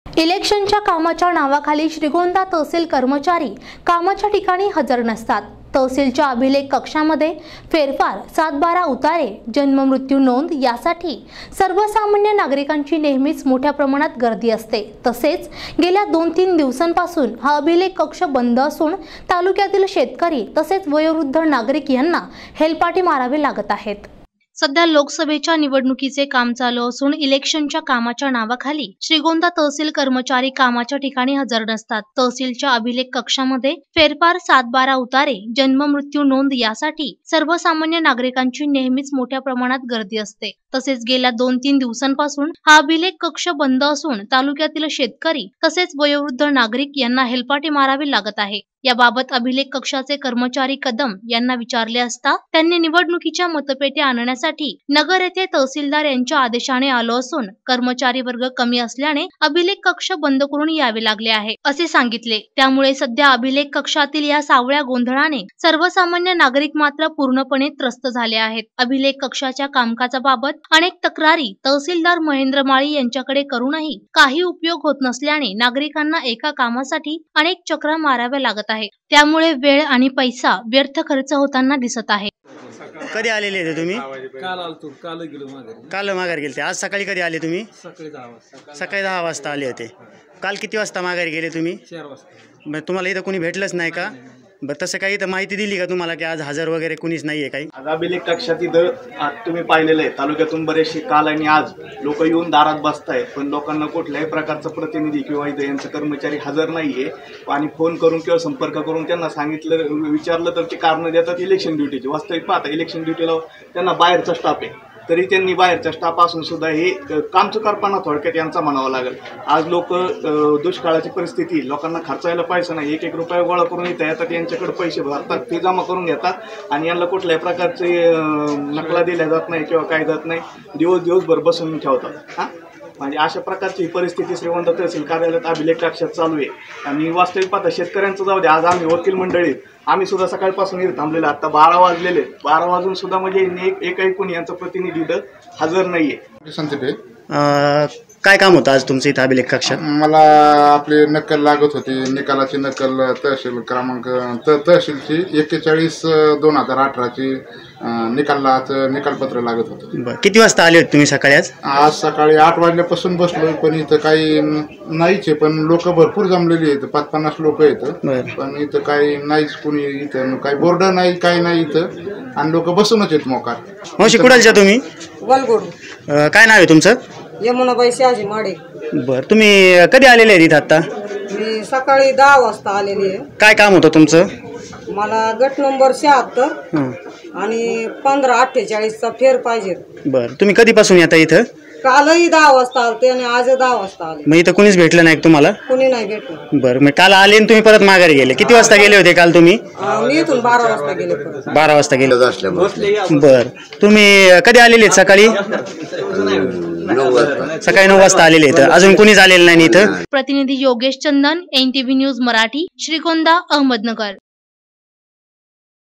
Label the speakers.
Speaker 1: इलेक्शनच्या कामाच्या नावाखाली श्रीगोंदा तहसील कर्मचारी कामाच्या ठिकाणी हजर नसतात। तहसीलच्या अभिलेख कक्षामध्ये फेरफार, 7-12 उतारे, जन्म मृत्यू नोंद यासाठी सर्वसामान्य नागरिकांची नेहमीच मोठ्या प्रमाणात गर्दी असते। तसेच गेल्या 2-3 दिवसांपासून हा अभिलेख कक्ष बंद असून तालुक्यातील शेतकरी तसेच वयोवृद्ध नागरिक यांना हेलपाटे मारावे लागत आहेत। सध्या लोकसभेच्या निवडणुकीचे काम चालू असून इलेक्शनच्या कामाच्या नावाखाली श्रीगोंदा तहसील कर्मचारी कामाच्या ठिकाणी हजर नसतात। तहसीलच्या अभिलेख कक्षामध्ये फेरफार, 7-12 उतारे, जन्म मृत्यू नोंद यासाठी सर्वसामान्य नागरिकांची नेहमीच मोठ्या प्रमाणात गर्दी असते। तसेच गेल्या 2-3 दिवसांपासून हा अभिलेख कक्ष बंद असून तालुक्यातील शेतकरी तसेच वयोवृद्ध नागरिक यांना हेलपाटे मारावे लागत आहे। याबाबत अभिलेख कक्षाचे कर्मचारी कदम यांना विचारले असता त्यांनी निवडणुकीच्या मतपेट्या आणण्यासाठी नगर येथे तहसीलदार यांच्या आदेशाने आलो असून कर्मचारी वर्ग कमी असल्याने अभिलेख कक्ष बंद करून यावे लागले आहे असे सांगितले। त्यामुळे सध्या अभिलेख कक्षातील या सावळ्या गोंधळाने सर्वसामान्य नागरिक मात्र पूर्णपणे त्रस्त झाले आहेत। अभिलेख कक्षाच्या कामकाजाबाबत अनेक तक्रारी तहसीलदार महेंद्र माळी यांच्याकडे करूनही काही उपयोग होत नसल्याने नागरिकांना एका कामासाठी अनेक चक्रा माराव्या लागत आहे। त्यामुळे वेळ आणि पैसा व्यर्थ खर्च होताना दिसत आहे।
Speaker 2: कधी आलेले होते तुम्ही?
Speaker 3: काल आलतो, काल गेलो माघारी।
Speaker 2: काल माघारी गेले. आज सकाळी कधी आले तुम्ही?
Speaker 3: सकाळी 10 वाजता।
Speaker 2: सकाळी 10 वाजता आले होते। काल किती वाजता माघारी गेले तुम्ही?
Speaker 3: 4 वाजता।
Speaker 2: मग तुम्हाला इथं कोणी भेटलंच नाही का? बरं, तसं काही इथं माहिती दिली का तुम्हाला की आज हजर वगैरे कुणीच नाहीये काही?
Speaker 4: अभिलेख कक्षात इथं तुम्ही पाहिलेलं आहे, तालुक्यातून बरेचसे काल आणि आज लोक येऊन दारात बसतायत, पण लोकांना कुठल्याही प्रकारचा प्रतिनिधी किंवा इथं यांचा कर्मचारी हजर नाहीये। आणि फोन करून किंवा संपर्क करून त्यांना सांगितलं, विचारलं तर ते कारण देतात इलेक्शन ड्युटीची। वास्तविक पाहता इलेक्शन ड्युटीला त्यांना बाहेरचा स्टाफ आहे, तरी त्यांनी बाहेरच्या स्टाफ असून सुद्धा हे काम चुकारपणा थोडक्यात यांचा म्हणावं लागेल। आज लोक दुष्काळाची परिस्थिती, लोकांना खर्चायला पैसा नाही, 1-1 रुपया गोळा करून इथं येतात, यांच्याकडे पैसे भरतात, फी जमा करून घेतात आणि यांना कुठल्याही प्रकारचे नकला दिल्या जात नाही किंवा काय जात नाही, दिवसभर बसून ठेवतात। म्हणजे अशा प्रकारची परिस्थिती श्रीगोंदा तहसील कार्यालयात अभिलेख कक्षात चालू आहे। आणि वास्तविक पाहता शेतकऱ्यांचं जाऊ दे, आज आम्ही वकील मंडळीत आम्ही सुद्धा सकाळपासून इथं थांबलेलो, आता 12 वाजलेले, 12 वाजून सुद्धा म्हणजे एकही कोणी यांचा प्रतिनिधी इथं हजर नाहीये।
Speaker 2: काय काम होतं आज तुमचं इथं अभिलेख कक्षात?
Speaker 5: मला आपली नक्कल लागत होती, निकालाची नक्कल तहसील क्रमांक तहसीलची 41/2018ची निकालपत्र लागत होतं।
Speaker 2: बरं, किती वाजता आले होते तुम्ही सकाळी?
Speaker 5: आज सकाळी 8 वाजल्यापासून बसलोय, पण इथं काही नाहीच आहे, पण लोक भरपूर जमलेली आहेत, 5-50 लोक आहेत, पण इथं काही नाहीच, कुणी इथं काही बोर्ड नाही, काही नाही इथं, आणि लोक बसूनच आहेत मोकार।
Speaker 2: मावशी, कुडालच्या तुम्ही?
Speaker 6: वलगोड।
Speaker 2: काय नाव आहे तुमचं?
Speaker 6: यमुनाबाई शहाजी माडे।
Speaker 2: बरं, तुम्ही कधी आलेले आहेत इथं? आता
Speaker 6: मी सकाळी 10 वाजता आलेली आहे।
Speaker 2: काय काम होतं तुमचं?
Speaker 6: मला गट नंबर 76 आणि 1548चा फेर पाहिजे।
Speaker 2: बरं, तुम्ही कधीपासून येता इथं?
Speaker 6: कालही 10 वाजता आलते आणि आज 10 वाजता आले।
Speaker 2: मग इथं कुणीच भेटलं नाही तुम्हाला?
Speaker 6: कुणी नाही भेटलं।
Speaker 2: बरं, मग काल आले आणि तुम्ही परत माघारी गेले. किती वाजता गेले होते काल तुम्ही?
Speaker 6: मी इथून 12 वाजता गेले परत।
Speaker 2: 12 वाजता गेले. बरं, तुम्ही कधी आलेले आहेत? सकाळी 9 वाजता आलेले आहेत। अजून कुणीच आलेलं नाही इथं?
Speaker 1: प्रतिनिधी योगेश चंदन, NTV न्यूज मराठी, श्रीगोंदा, अहमदनगर।